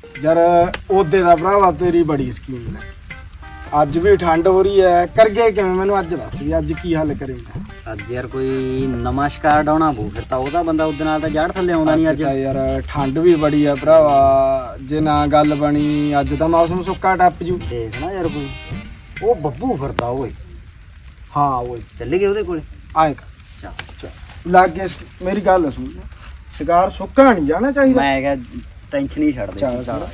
ਯਾਰ ਉਹਦੇ ਦਾ ਭਰਾਵਾ ਤੇਰੀ ਬੜੀ ਸਕੀਮ ਹੈ। ਅੱਜ ਵੀ ਠੰਡ ਹੋ ਰਹੀ ਹੈ, ਕਰਗੇ ਕਿਵੇਂ ਮੈਨੂੰ ਅੱਜ ਦੱਸ ਵੀ ਅੱਜ ਕੀ ਹੱਲ ਕਰੇਗਾ। ਅੱਜ ਯਾਰ ਕੋਈ ਨਵਾਂ ਸ਼ਿਕਾਰ ਡਾਉਣਾ ਪਊ, ਫਿਰ ਤਾਂ ਉਹਦਾ ਬੰਦਾ ਉਹਦੇ ਨਾਲ ਤਾਂ ਜੜ ਥੱਲੇ ਆਉਂਦਾ ਨਹੀਂ। ਅੱਜ ਯਾਰ ਠੰਡ ਵੀ ਬੜੀ ਆ ਭਰਾਵਾ, ਜੇ ਨਾ ਗੱਲ ਬਣੀ ਅੱਜ ਤਾਂ ਮੌਸਮ ਸੁੱਕਾ ਟੱਪ ਜੂ। ਦੇਖ ਨਾ ਯਾਰ ਕੋਈ ਉਹ ਬੱਬੂ ਫਿਰਦਾ ਓਏ। ਹਾਂ ਓਏ ਚੱਲੇ ਗਏ ਉਹਦੇ ਕੋਲੇ। ਆਏ ਕਰ ਲੱਗ ਗਿਆ। ਮੇਰੀ ਗੱਲ ਸੁਣ, ਸ਼ਿਕਾਰ ਸੁੱਕਾ ਨਹੀਂ ਜਾਣਾ ਚਾਹੀਦਾ। ਮੈਂ ਕਿਹਾ ਟੈਨਸ਼ਨ ਹੀ ਛੱਡ ਦੇ। ਚੱਲ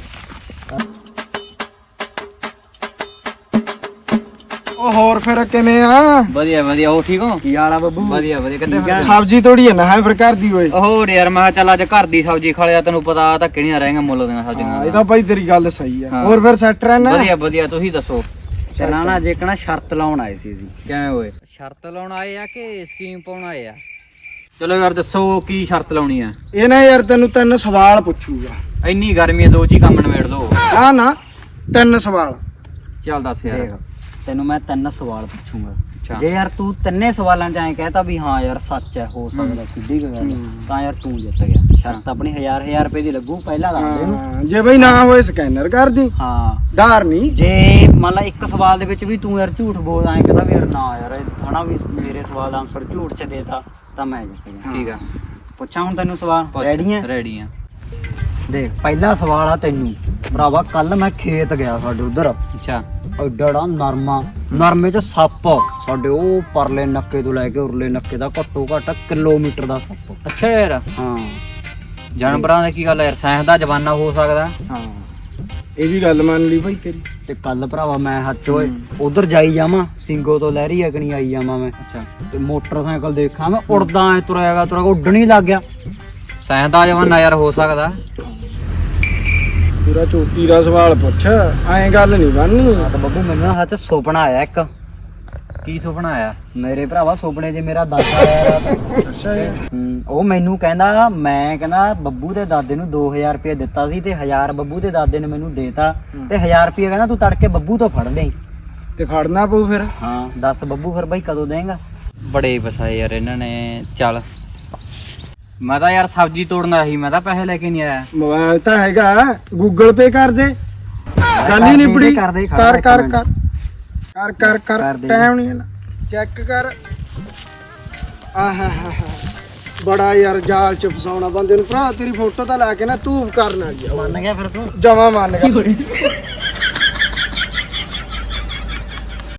ਉਹ ਹੋਰ ਫਿਰ ਕਿਵੇਂ ਆ? ਵਧੀਆ ਵਧੀਆ। ਉਹ ਠੀਕ ਹੋ? ਕੀ ਹਾਲ ਆ ਬੱਬੂ? ਵਧੀਆ ਵਧੀਆ। ਕਿੱਥੇ ਸਬਜ਼ੀ ਤੋੜੀ ਹੈ ਨਾ ਹੈ ਫਿਰ ਘਰ ਦੀ ਓਏ। ਹੋਰ ਯਾਰ ਮੈਂ ਕਿਹਾ ਚੱਲ ਅੱਜ ਘਰ ਦੀ ਸਬਜ਼ੀ ਖਾ ਲਿਆ, ਤੈਨੂੰ ਪਤਾ ਧੱਕੇ ਨਹੀਂ ਰਹਿਣਗੇ ਮੁੱਲ ਦੀਆਂ ਸਬਜ਼ੀਆਂ। ਇਹ ਤਾਂ ਭਾਈ ਤੇਰੀ ਗੱਲ ਸਹੀ ਆ। ਹਾਂ। ਹੋਰ ਫਿਰ ਸੈੱਟ ਰਹਿਣਾ? ਵਧੀਆ ਵਧੀਆ। ਤੁਸੀਂ ਦੱਸੋ ਚੱਲਾਂ ਨਾ ਜੇ ਕਹਣਾ ਸ਼ਰਤ ਲਾਉਣ ਆਏ ਸੀ ਅਸੀਂ। ਕਿਵੇਂ ਹੋਏ? ਸ਼ਰਤ ਲਾਉਣ ਆਏ ਆ ਕਿ ਸਕੀਮ ਪਾਉਣ ਆਏ ਆ? ਚਲੋ ਯਾਰ ਦੱਸੋ ਕੀ ਸ਼ਰਤ ਲਾਉਣੀ ਆ? ਇਹ ਨਾ ਯਾਰ ਤੈਨੂੰ 3 ਸਵਾਲ ਪੁੱਛੂਗਾ। ਇੰਨੀ ਗਰਮੀ ਆ, 2 ਚ ਹੀ ਕੰਮ ਨਿਬੇੜ ਦੋ। ਆ ਨਾ 3 ਸਵਾਲ। ਚੱਲ ਦੱਸ ਯਾਰ। ਦੇਖ ਤੈਨੂੰ ਮੈਂ 3 ਸਵਾਲ ਪੁੱਛੂੰਗਾ। ਜੇ ਯਾਰ ਤੂੰ 3 ਸਵਾਲਾਂ ਚ ਐਂ ਕਹਿਤਾ ਵੀ ਹਾਂ ਯਾਰ ਸੱਚ ਹੈ, ਹੋ ਸਕਦਾ ਸਿੱਧੀ ਗੱਲ ਹੈ, ਤਾਂ ਯਾਰ ਤੂੰ ਜਿੱਤ ਗਿਆ। ਸ਼ਰਤ ਆਪਣੀ 1000 ਰੁਪਏ ਦੀ ਲੱਗੂ ਪਹਿਲਾਂ ਦੱਸ ਦੇ ਇਹਨੂੰ। ਹਾਂ, ਜੇ ਬਈ ਨਾ ਹੋਏ ਸਕੈਨਰ ਕਰ ਦੀ। ਹਾਂ ਧਾਰ ਨਹੀਂ। ਜੇ ਮੰਨ ਲਾ ਇੱਕ ਸਵਾਲ ਦੇ ਵਿੱਚ ਵੀ ਤੂੰ ਯਾਰ ਝੂਠ ਬੋਲ ਐਂ ਕਹਿੰਦਾ ਵੀ ਯਾਰ ਨਾ ਯਾਰ ਇਹ ਹਨਾ ਵੀ ਮੇਰੇ ਸਵਾਲ ਦਾ ਆਨਸਰ ਝੂਠ ਚ ਦੇਤਾ ਤਾਂ ਮੈਂ ਜਿੱਤ ਗਿਆ। ਠੀਕ ਆ, ਪੁੱਛਾਂ ਹੁਣ ਤੈਨੂੰ ਸਵਾਲ? ਰੈਡੀ ਹੈ? ਰੈਡੀ ਆ। ਦੇਖ ਪਹਿਲਾ ਸਵਾਲ ਆ ਤੈਨੂੰ ਭਰਾਵਾ। ਕੱਲ ਮੈਂ ਖੇਤ ਗਿਆ ਸਾਡੇ ਉਧਰ, ਅੱਛਾ ਐਡਾ ਨਰਮੇ ਚ ਸੱਪ ਸਾਡੇ ਉਹ ਪਰਲੇ ਨੱਕੇ ਤੋਂ ਲੈ ਕੇ ਉਰਲੇ ਨੱਕੇ ਦਾ ਘੱਟੋ ਘੱਟ ਕਿਲੋਮੀਟਰ ਦਾ ਸੱਪ। ਅੱਛਾ ਯਾਰ ਹਾਂ ਜਾਨਵਰਾਂ ਦਾ ਕੀ ਗੱਲ ਆ ਯਾਰ, ਸਾਇੰਸ ਦਾ ਜਮਾਨਾ ਹੋ ਸਕਦਾ। ਹਾਂ ਇਹ ਵੀ ਗੱਲ ਮੰਨ ਲਈ ਭਾਈ ਤੇਰੀ। ਤੇ ਕੱਲ ਭਰਾਵਾ ਮੈਂ ਹੱਥ ਓਏ ਉਧਰ ਜਾਈ ਜਾਵਾਂ, ਸਿੰਘੋ ਤੋਂ ਲਹਿਰੀ ਅਕਣੀ ਆਈ ਜਾਵਾਂ ਮੈਂ, ਅੱਛਾ ਤੇ ਮੋਟਰਸਾਈਕਲ ਦੇਖਾਂ ਮੈਂ ਉੜਦਾ ਐ ਤੁਰਿਆਗਾ ਉੱਡਣ ਹੀ ਲੱਗ ਗਿਆ। ਸਾਇੰਸ ਦਾ ਜਮਾਨਾ ਯਾਰ ਹੋ ਸਕਦਾ। ਪੂਰਾ ਚੋਟੀ ਦਾ ਸਵਾਲ ਪੁੱਛ, ਐਂ ਗੱਲ ਨਹੀਂ ਬਣਨੀ। ਤਾਂ ਬੱਬੂ ਮੈਨੂੰ ਨਾ ਹੱਥ ਸੁਪਨਾ ਆਇਆ ਇੱਕ। ਕੀ ਸੁਪਨਾ ਆਇਆ? ਮੇਰੇ ਭਰਾਵਾ ਸੁਪਨੇ 'ਚ ਮੇਰਾ ਦਾਦਾ ਆਇਆ। ਅੱਛਾ ਜੀ। ਉਹ ਮੈਨੂੰ ਕਹਿੰਦਾ, ਮੈਂ ਕਹਿੰਦਾ ਬੱਬੂ ਦੇ ਦਾਦੇ ਨੂੰ 2000 ਰੁਪਏ ਦਿੱਤਾ ਸੀ ਤੇ 1000 ਬੱਬੂ ਦੇ ਦਾਦੇ ਨੇ ਮੈਨੂੰ ਦੇਤਾ ਤੇ 1000 ਰੁਪਏ ਕਹਿੰਦਾ ਤੂੰ ਤੜਕੇ ਬੱਬੂ ਤੋਂ ਫੜ ਲਈ। ਤੇ ਫੜਨਾ ਪਊ ਫਿਰ। ਹਾਂ ਦੱਸ ਬੱਬੂ ਫਿਰ ਬਾਈ ਕਦੋਂ ਦੇਂਗਾ? ਬੜੇ ਫਸਾਏ ਯਾਰ ਇਹਨਾਂ ਨੇ। ਚੱਲ ਮੈਂ ਤਾਂ ਯਾਰ ਸਬਜ਼ੀ ਤੋੜਨਾ ਸੀ, ਮੈਂ ਤਾਂ ਪੈਸੇ ਲੈ ਕੇ ਨਹੀਂ ਆਇਆ। ਮੋਬਾਈਲ ਤਾਂ ਹੈਗਾ, ਗੂਗਲ ਪੇ ਕਰ ਦੇ। ਗੱਲ ਹੀ ਨਿਬੜੀ। ਕਰ ਕਰ ਕਰ ਕਰ ਕਰ ਕਰ ਟਾਈਮ ਨਹੀਂ ਹੈ। ਚੈੱਕ ਕਰ। ਆਹਾ ਹਾ ਬੜਾ ਯਾਰ ਜਾਲ ਚ ਫਸਾਉਣਾ ਬੰਦੇ ਨੂੰ। ਭਰਾ ਤੇਰੀ ਫੋਟੋ ਤਾਂ ਲਾ ਕੇ ਨਾ ਤੂੰ ਕਰਨ ਆ ਗਿਆ। ਮੰਨ ਗਿਆ ਫਿਰ ਤੂੰ? ਜਮਾ ਮੰਨ ਗਿਆ।